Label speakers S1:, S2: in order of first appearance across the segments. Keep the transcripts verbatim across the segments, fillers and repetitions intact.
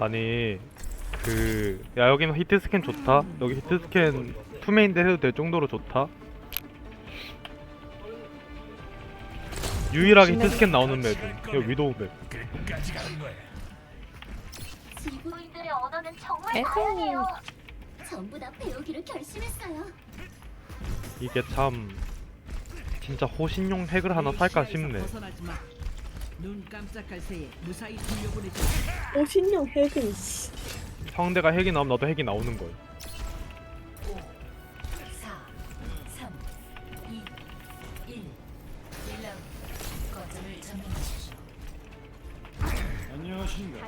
S1: 아니 그 야 여기는 히트 스캔 좋다. 여기 히트 스캔 투메인데 해도 될 정도로 좋다. 유일하게 히트 스캔 나오는 맵은 여기 위도우 맵.
S2: 지구인들의 언어는 정말
S3: 에헤이.
S2: 다양해요. 전부 다 배우기로 결심했어요.
S1: 이게 참 진짜 호신용 핵을 하나 살까 싶네.
S4: 벗어나지 마. 눈 깜짝할 새에 무사히 돌려보내줘.
S3: 오 신용 핵은 씨.
S1: 상대가 핵이 나오면 나도 핵이 나오는 거야.
S2: 사, 삼, 이, 일. 일 라운드. 거점을 점령하십시오.
S5: 안녕하십니까.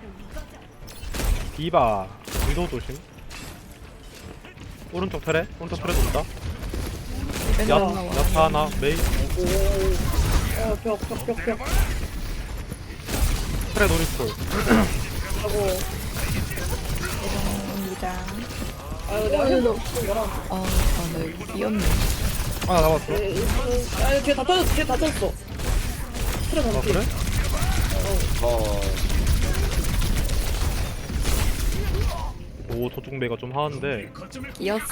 S1: 디바 위도우 조심. 오른쪽 트레 오른쪽 트레 돈다. 야 야타 하나 메이
S3: 오어벽벽벽벽
S1: 트레 노리콜.
S3: 하고
S6: 죄송합니다.
S3: 아유 내가 해도 없어
S6: 아, 아, 나 여기 비었네.
S1: 하나 잡았어.
S3: 아 뒤에 다 터졌어 뒤에 다 터졌어 트레
S1: 아
S3: 반피
S1: 그래? 오 저쪽 메가 좀 하는데
S6: 비었어.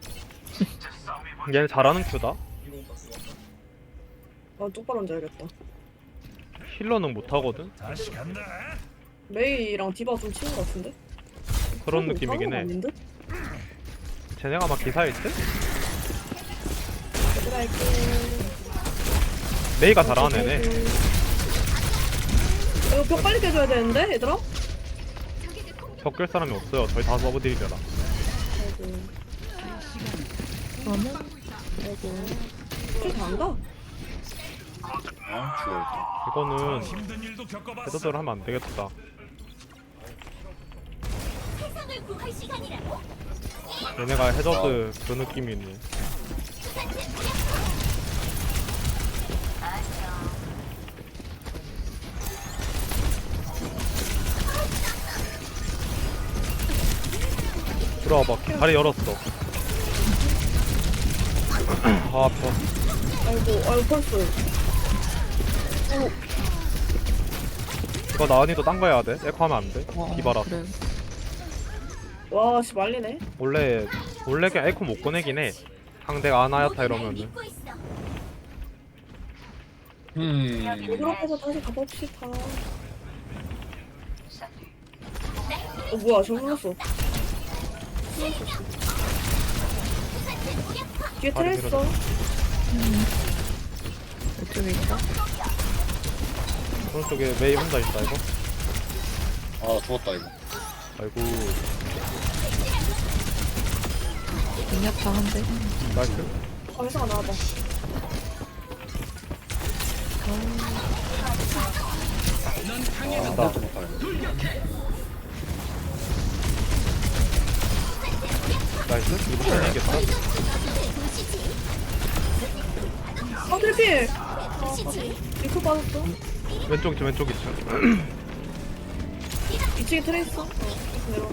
S1: 얘 잘하는 큐다.
S3: 아 똑바로 앉아야겠다
S1: 힐러는 못하거든?
S3: 메이랑 디바 좀 치는 것 같은데?
S1: 그런
S3: 사람
S1: 느낌이긴
S3: 사람
S1: 해.
S3: 아닌 듯?
S1: 쟤네가 막 기사일 때?
S3: 얘들아 할게
S1: 메이가 잘하는 애네.
S3: 이거 벽 빨리 깨줘야 되는데 얘들아?
S1: 벽깰 사람이 없어요. 저희 다 서브딜이라.
S3: 아이고
S6: 그러면
S3: 아이고 쟤 잘한다
S1: 이거는 해저드를 하면 안 되겠다.
S2: 세상을 구할 시간이라고?
S1: 얘네가 해저드 그 느낌이네. 들어와봐. 다리 열었어. 아 아파.
S3: 아이고 아이고 펄스
S1: 이거 나은이도 딴 거 해야 돼. 에코 하면 안 돼.
S6: 와,
S1: 디바라.
S6: 그래.
S3: 와씨 말리네
S1: 원래 원래 그냥 에코 못 꺼내긴 해. 상대가 아나야타 이러면은.
S2: 믿고 있어.
S5: 음.
S3: 유럽에서 다시 가봅시다 어 뭐야 저 불렀어 뒤에 트레 있어
S6: 이쪽에 있다.
S1: 오른쪽에 메이 혼자 있다 이거.
S5: 아 죽었다 이거.
S1: 아이고
S6: 공략다 한데.
S1: 나이스.
S3: 아 회사가 나와봐
S5: 아, 나 죽었다 이거.
S1: 나이스. 이거 살리겠다.
S3: 아 트래필 리프 빠졌어
S1: 왼쪽 있죠 왼쪽 있죠.
S3: 이 층에 트레 있어 어 내려와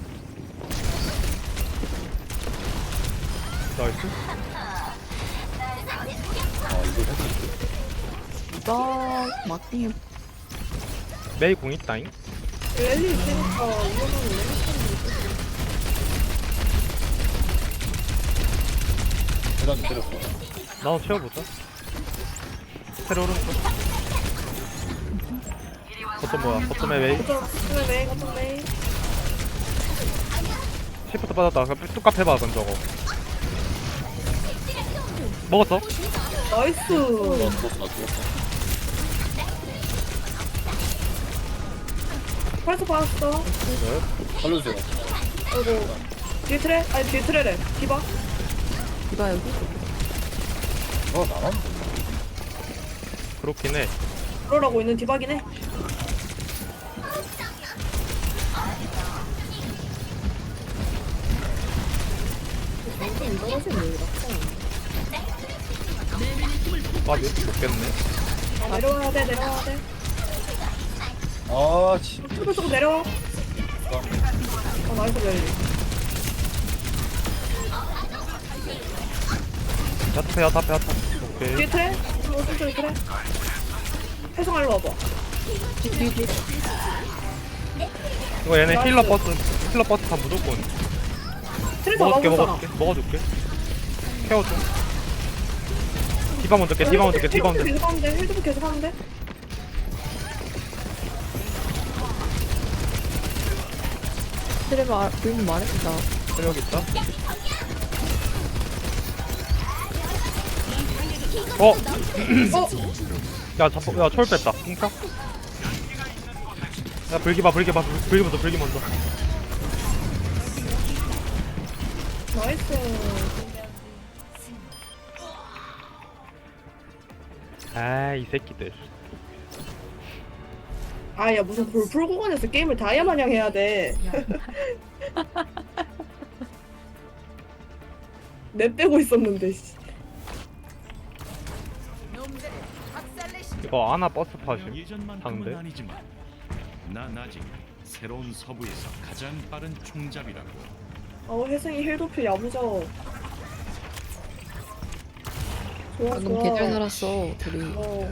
S1: 나이스.
S5: 아 이거 했어.
S6: 나 마킹이
S1: 메이 공 있다잉.
S3: 랠리 있으니까 이거는 랠리
S5: 계단 때렸어.
S1: 나도 채워보자. 테러 오른쪽. 버튼 뭐야? 버튼에 메이.
S3: 거점 거점에 메이 거점 메이
S1: 시프트 받았다. 그냥 뚝갑 해봐 그럼 저거. 먹었어?
S3: 나이스
S5: 나 죽었어 나 죽었어.
S3: 팔스 받았어
S1: 네.
S5: 살려주세요.
S3: 아이고 뒤에 트레? 아니 뒤에 트레래 디바
S6: 디바 여기.
S5: 어 나만.
S1: 그렇긴 해.
S3: 그러라고 있는 디바긴 해
S1: 아 몇, 먹겠네.
S3: 아, 내려와야 돼 내려와야 돼
S5: 아 진.
S3: 조금 조금 내려와 아 나이스 랠리
S1: 야타페 야타페 야타. 오케이.
S3: 뒤에 트레? 오른쪽에 트레? 해성 알로 와봐
S6: 뒤, 뒤, 뒤.
S1: 이거 얘네
S3: 나이스.
S1: 힐러 버스 힐러 버스 다 무조건
S3: 트레이서
S1: 먹어줄게
S3: 먹을 사람.
S1: 먹어줄게 먹어줄게 케어줘 디바 먼저 깨 디바 먼저 깨 디바 먼저
S3: 계속 하는데 힐드도 계속 하는데.
S6: 트레 말, 부인 말했다.
S1: 여기 있다 어!
S3: 어?
S1: 야, 자, 야, 초월 뺐다. 뭉쳐. 야, 불기 봐, 불기 봐, 불- 불기 먼저, 불기 먼저.
S3: 나이스.
S1: 아, 이 새끼들.
S3: 아야 무슨 볼풀 구간에서 게임을 다이아 마냥 해야 돼. 내 빼고 있었는데. 씨.
S1: 이거 아나 버스 파심.
S7: 예전만큼은
S1: 상대.
S7: 아니지만 난 아직 새로운 서부에서 가장 빠른 총잡이라고.
S3: 어 혜승이 힐도표 야무져. 좋아
S6: 방금
S3: 좋아.
S6: 개잘 살았어, 둘이.
S3: 어.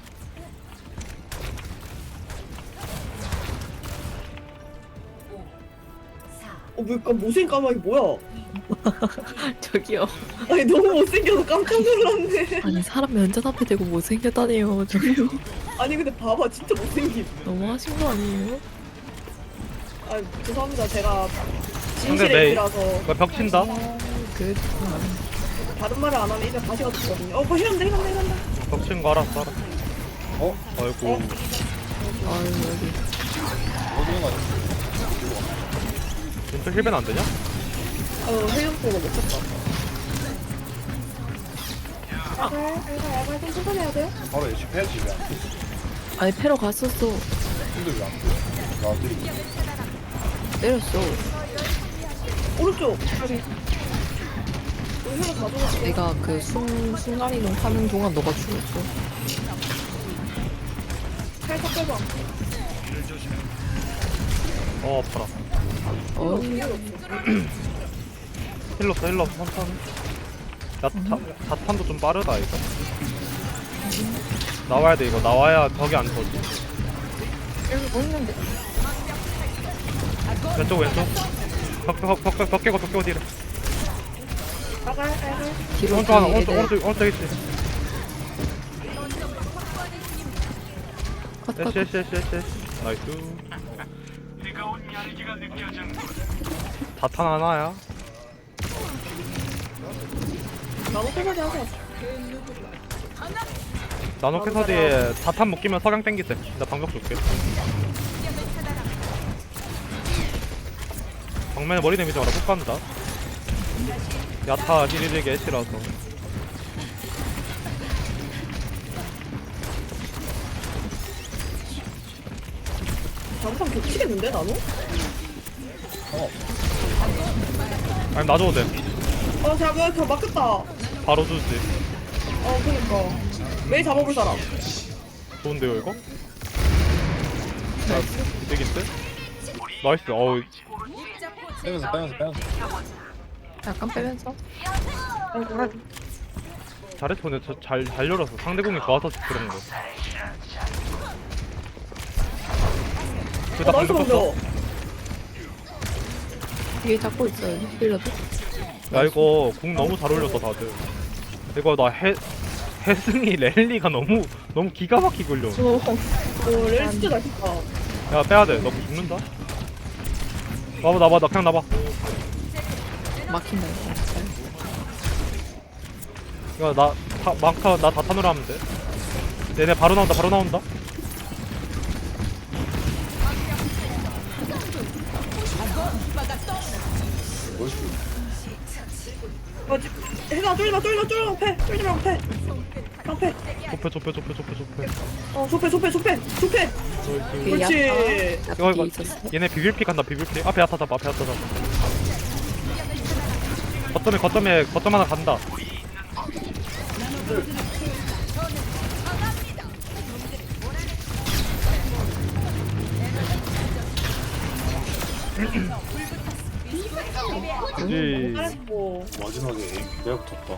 S3: 어, 뭐, 까 못생 까마귀 뭐야?
S6: 저기요.
S3: 아니, 너무 못생겨서 깜짝 놀랐네.
S6: 아니, 사람 면접 앞에 대고 못생겼다네요, 저기요.
S3: 아니, 근데 봐봐, 진짜 못생김.
S6: 너무 하신 거 아니에요?
S3: 아, 죄송합니다. 제가
S1: 근데
S3: 진실의
S1: 내-
S3: 입이라서
S1: 이거 벽 친다.
S6: 그,
S3: 다른 말을 안 하면 입에 가시가 붙거든요. 어, 뭐 이런다, 이런다, 이런다.
S1: 벽 친 거 알았어, 알았어.
S5: 어?
S1: 아이고.
S3: 어?
S6: 아유, 여기.
S5: 어디가 가지?
S1: 왼쪽 힐벤 안 되냐?
S3: 어, 헬륨포가 못 쳤다. 야갈, 야갈, 야갈 좀 천천히 해야 돼요?
S5: 바로 애쉬 패야지 왜안 돼?
S6: 아니, 패러 갔었어.
S5: 근데 왜안 돼? 나들이
S6: 때렸어.
S3: 오른쪽. 여기. 여기 헬륨 가져갔어.
S6: 내가 그 순, 순간이동 하는 동안 너가 죽었어.
S3: 살짝 빼봐.
S1: 어, 아파라.
S6: 어,
S1: 힐러 써, 힐러 써, 천천히. 야, 자, 자탄도 좀 빠르다, 이거. 나와야 돼, 이거. 나와야 벽이 안 터지.
S6: 여기 뭐 있는데?
S1: 왼쪽, 왼쪽. 벽, 벽, 벽, 벽, 벽 깨고, 벽 깨고 뒤로.
S3: 야갈, 야갈.
S6: 뒤로
S1: 오른쪽 하나,
S6: 뒤에
S1: 오른쪽,
S6: 애들.
S1: 오른쪽, 오른쪽 있지.
S6: 컷, 컷,
S1: 에쉬, 에쉬, 에쉬, 에쉬. 나이스. 자탄 하나야.
S3: 나도 꼬마지 하자.
S1: 나노 캐서디에 자탄 묶이면 석양 땡기세. 나 방벽 줄게. 정면에 머리 데미지 와라 못 간다. 야타 힐리릭 애쉬라서.
S3: 잠깐 겹치겠는데, 나도?
S1: 아니 놔줘도 돼.
S3: 어, 잠깐, 저 막혔다.
S1: 바로 주지.
S3: 어, 그니까. 매일 잡아볼 사람.
S1: 좋은데요 이거? 이득인데? 나이스. 어우
S5: 빼면서 빼면서 빼면서
S6: 약간 빼면서.
S3: 어, 그래.
S1: 잘했어. 근데 저 잘, 잘 열었어. 상대공이 좋아서 그런 거.
S3: 어,
S1: 나
S3: 나이스
S1: 방금 쳤어.
S3: 먼저.
S6: 뒤에 잡고 있어요, 힐러도.
S1: 야 이거 궁 너무 잘 올렸어 다들. 이거 나 해, 해승이 랠리가 너무 너무 기가 막히게 걸려.
S3: 어, 어, 렐 진짜 맛있다.
S1: 야 빼야돼. 너 죽는다. 나봐 나봐 나 그냥 나봐.
S6: 막힌다, 이거.
S1: 이거 나 타, 마카 나 다탄으로 하면 돼. 얘네 바로 나온다 바로 나온다.
S5: 뭘 수?
S3: 어, 지- 혜성아, 쫄지 마, 쫄지 마, 쫄지 마, 패. 쫄지 말고 패. 깡패.
S1: 좁혀 좁혀 좁혀 좁혀 좁혀.
S3: 어, 좁패, 좁패, 좁패, 좁패.
S6: 그
S3: 그렇지.
S6: 야타,
S1: 이거
S6: 야타
S1: 이거
S6: 뒤에 있었어.
S1: 얘네 비빌픽 한다 비빌픽. 앞에 야타 잡아 앞에 야타 잡아. 거점에 거점에 거점 하나 간다. 그지.
S3: 잘했고.
S5: 마지막에 에임 내가 붙었다.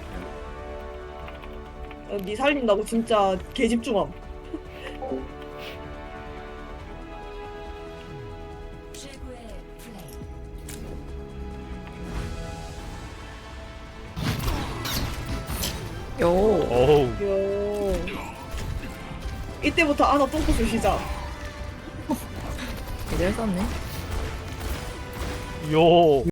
S3: 어, 니 살린다고 진짜 개집중함.
S6: 요.
S1: 어우.
S3: 요. 이때부터 아나 똥꼬쇼 시작.
S6: 이랬었네.
S1: 요.